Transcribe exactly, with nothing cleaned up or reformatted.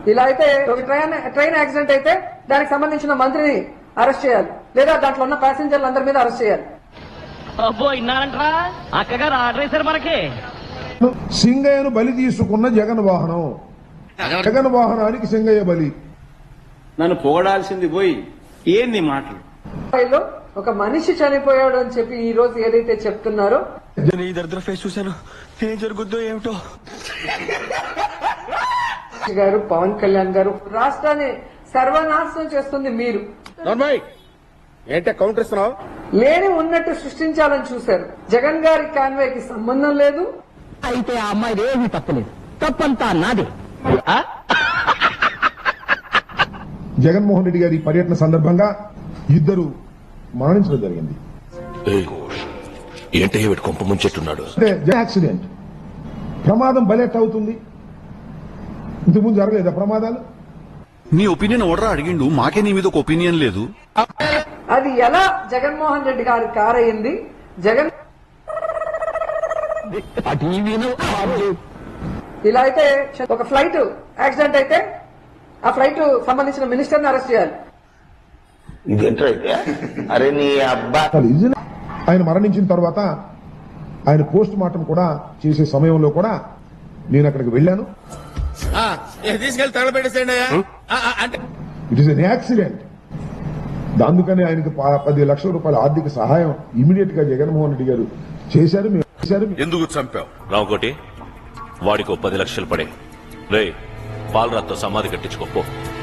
ఇలా అయితే ఒక ట్రైన్ ట్రైన్ యాక్సిడెంట్ అయితే దానికి సంబంధించిన మంత్రిని అరెస్ట్ చేయాలి, లేదా దాంట్లో ఉన్న ప్యాసింజర్లు అందరి మీద అరెస్ట్ చేయాలి. అబ్బో ఇన్నారంట్రా అక్కగారు ఆర్డర్ వేశారు మనకి. సింగయ్యను బలి తీసుకున్న జగన్ వాహనం, జగన్ వాహనానికి సింగయ్య బలి. నన్ను పొగడాల్సింది పోయి ఏంది మాటలు? ఒక మనిషి చనిపోయాడు అని చెప్పి ఈ రోజు ఏదైతే చెప్తున్నారో, ఈ దరిద్ర ఫేస్ చూశాను, ఏం జరుగుద్దో ఏమిటో. గారు పవన్ కళ్యాణ్ గారు రాష్ట్రాన్ని సర్వనాశనం చేస్తుంది మీరు. ఏంటే కౌంటర్ ఇస్తున్నావు? లేని ఉన్నట్టు సృష్టించాలని చూశారు. జగన్ గారి కాన్వేకి సంబంధం లేదు. అయితే ఆ అమ్మాయి ఏమీ తప్పలేదు, తప్పంతా నాదే. జగన్మోహన్ రెడ్డి గారి పర్యటన సందర్భంగా ఇద్దరు మరణించడం జరిగింది. ఏంటే కొంప ముంచెట్టున్నాడు. అంటే యాక్సిడెంట్, ప్రమాదం బలెట్ అవుతుంది. ఇంతకుముందు జరగలేదా ప్రమాదాలు? నీ ఒపీనియన్ ఎవడరా అడిగిండు? మాకే నీ మీద ఒక ఒపీనియన్ లేదు. అది ఎలా జగన్మోహన్ రెడ్డి గారి కార్ అయింది? జగన్ ఇలా అయితే ఒక ఫ్లైట్ యాక్సిడెంట్ అయితే ఆ ఫ్లైట్ సంబంధించిన మినిస్టర్ని అరెస్ట్ చేయాలి. అరే నీ అబ్బా. ఆయన మరణించిన తర్వాత ఆయన పోస్ట్ మార్టం కూడా చేసే సమయంలో కూడా నేను అక్కడికి వెళ్ళాను. తీసుకెళ్లి తగలబెట్టేసేయండి. It is an accident. అందుకని ఆయనకి పది లక్షల రూపాయల ఆర్థిక సహాయం ఇమీడియట్ గా జగన్మోహన్ రెడ్డి గారు చేశారు. చేశారు. ఎందుకు చంపావు రావుకోటి? వాడికో పది లక్షలు పడే రే పాలరాత్తో సమాధి కట్టించుకోపో.